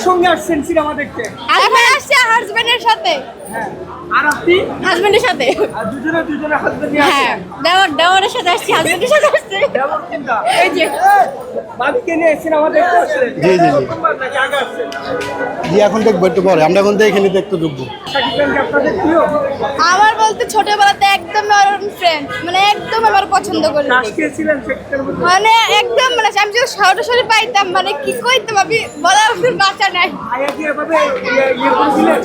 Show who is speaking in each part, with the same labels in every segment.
Speaker 1: সঙ্গে আসছেন সিনেমা দেখতে?
Speaker 2: আমি আসছি হাজবেন্ডের সাথে।
Speaker 1: হ্যাঁ। আর আপনি?
Speaker 2: হাজবেন্ডের সাথে।
Speaker 1: আর দুজনে হাজবেন্ড নিয়ে
Speaker 2: হ্যাঁ,
Speaker 1: আসছেন?
Speaker 2: দেওয়ারের সাথে আসছি, হাজবেন্ডের সাথে আসছি।
Speaker 1: দেবর কোনটা?
Speaker 2: এই যে
Speaker 1: বাবিকে নিয়ে সিনেমা দেখতে আসছেন?
Speaker 3: জি, জি, জি।
Speaker 1: প্রথমবার নাকি আগে আসছেন?
Speaker 3: জি এখন দেখবো একটু পরে, আমরা এখন দেখে নিতে একটু ঢুকবো।
Speaker 1: শাকিব খানকে আপনাদের প্রিয়?
Speaker 2: আমার বলতে ছোটবেলাতে একদম আমার ফ্রেন্ড, মানে একদম আমার পছন্দ করি।
Speaker 1: ক্রাশ খেয়েছিলেন শাকিব খানের মধ্যে?
Speaker 2: মানে একদম, মানে আমি যদি সরাসরি পাইতাম, মানে কি কইতাম আমি বলার ভাষা নাই।
Speaker 1: ভাইয়া কি এভাবে ইয়ে করে দিলেন?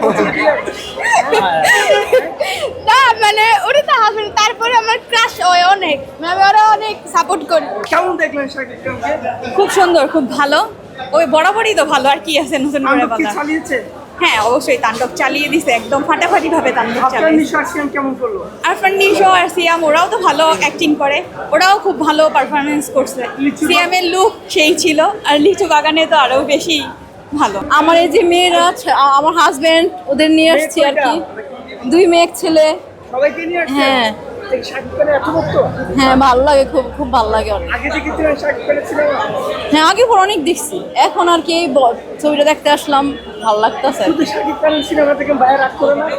Speaker 2: না মানে ওটা তো হাজবেন্ড, তারপরে আমার ক্রাশ হয় অনেক, মানে আমি ওরা অনেক সাপোর্ট করি।
Speaker 1: কেমন দেখলেন শাকিব খানকে?
Speaker 2: খুব সুন্দর, খুব ভালো। ওই বরাবরই তো ভালো, আর কি আছে নতুন করে
Speaker 1: তাণ্ডব কি
Speaker 2: বলা?
Speaker 1: চালিয়েছে?
Speaker 2: হ্যাঁ অবশ্যই, তাণ্ডব চালিয়ে দিছে, একদম ফাটাফাটি ভাবে তাণ্ডব
Speaker 1: আপনার
Speaker 2: চালিয়ে।
Speaker 1: নিঃশ্বাসিয়ান কেমন করলো?
Speaker 2: আরফান নিশো আর সিয়াম ওরাও তো ভালো অ্যাক্টিং করে, ওরাও খুব ভালো পারফরমেন্স করছে।
Speaker 1: লিচু
Speaker 2: সিয়ামের লুক সেই ছিল, আর লিচু বাগানে তো আরো বেশি ভালো। আমার এই যে মেয়েরা, আমার হাজবেন্ড, ওদের নিয়ে আসছি আর কি। 2 মেয়ে ছেলে।
Speaker 1: সবাইকে নিয়ে আসছেন?
Speaker 2: হ্যাঁ।
Speaker 1: এই শাকিব খানের এত ভক্ত?
Speaker 2: হ্যাঁ ভালো লাগে, খুব খুব ভালো লাগে অনেক।
Speaker 1: আগে দেখেছিলেন শাকিব খানের সিনেমা?
Speaker 2: হ্যাঁ আগে পর অনেক দেখছি, এখন আর কি এই ছবিটা দেখতে আসলাম, ভালো লাগতেছে।
Speaker 1: শুধু শাকিব খানের সিনেমা থেকে বাইরে রাগ করে না?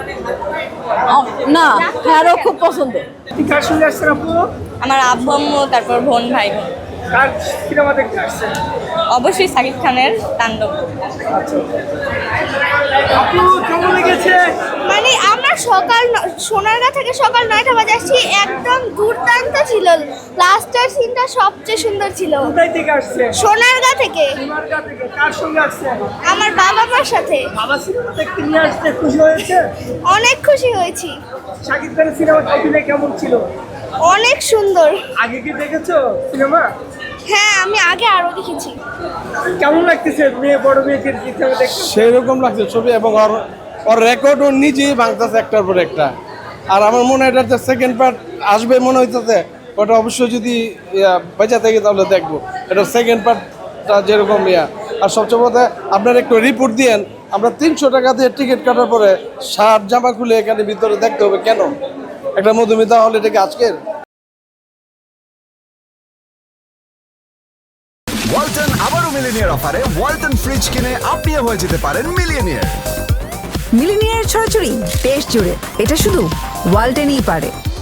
Speaker 2: না, হ্যাঁরও খুব পছন্দ।
Speaker 1: আপনি কার সঙ্গে আসছেন আপু?
Speaker 2: আমার আব্বু আম্মু, তারপর বোন ভাই বোন।
Speaker 1: কার সিনেমা দেখতে আসছেন?
Speaker 2: অবশ্যই সাকিব খানের তাণ্ডব।
Speaker 1: আচ্ছা আপু কেমন লেগেছে?
Speaker 4: মানে আমরা সোনারগাঁ থেকে সকাল 9টা বাজে আসছি, একদম দুর্দান্ত ছিল। লাস্টের সিনটা সবচেয়ে সুন্দর ছিল।
Speaker 1: কোথায় থেকে আসছেন?
Speaker 4: সোনারগাঁ থেকে।
Speaker 1: সোনারগাঁ থেকে। কার সঙ্গে আসছেন?
Speaker 4: আমার বাবা মার সাথে।
Speaker 1: বাবা সিনেমা দেখতে নিয়ে আসতে খুশি হয়েছে?
Speaker 4: অনেক খুশি হয়েছি।
Speaker 1: শাকিব খানের সিনেমা অভিনয় কেমন ছিল?
Speaker 4: অনেক সুন্দর।
Speaker 1: আগে কি দেখেছো সিনেমা?
Speaker 4: হ্যাঁ আমি আগে আরো দেখেছি।
Speaker 1: কেমন লাগতেছে বড় মেয়েকে সিনেমা দেখতে?
Speaker 3: সেই রকম লাগছে ছবি, এবং ওর রেকর্ড ও নিজেই ভাঙতেছে একটার পর একটা। আর আমার মনে হয় এটা সেকেন্ড পার্ট আসবে মনে হইতেছে, ওটা অবশ্যই যদি বেঁচে থাকে তাহলে দেখবো। এটা সেকেন্ড পার্টটা যেরকম আর সবচেয়ে বড় আপনার একটু রিপোর্ট দিয়েন। আমরা 300 টাকা দিয়ে টিকিট কাটার পরে শার্ট জামা খুলে এখানে ভিতরে দেখতে হবে কেন? একটা মধুমিতা হল, এটা কি আজকের?
Speaker 5: ওয়ালটন আবারও মিলিনিয়ার অফারে ওয়ালটন ফ্রিজ কিনে আপনিও হয়ে যেতে পারেন মিলিয়নিয়ার।
Speaker 6: মিলিনিয়ার ছড়াছড়ি দেশ জুড়ে, এটা শুধু ওয়ালটেনই পারে।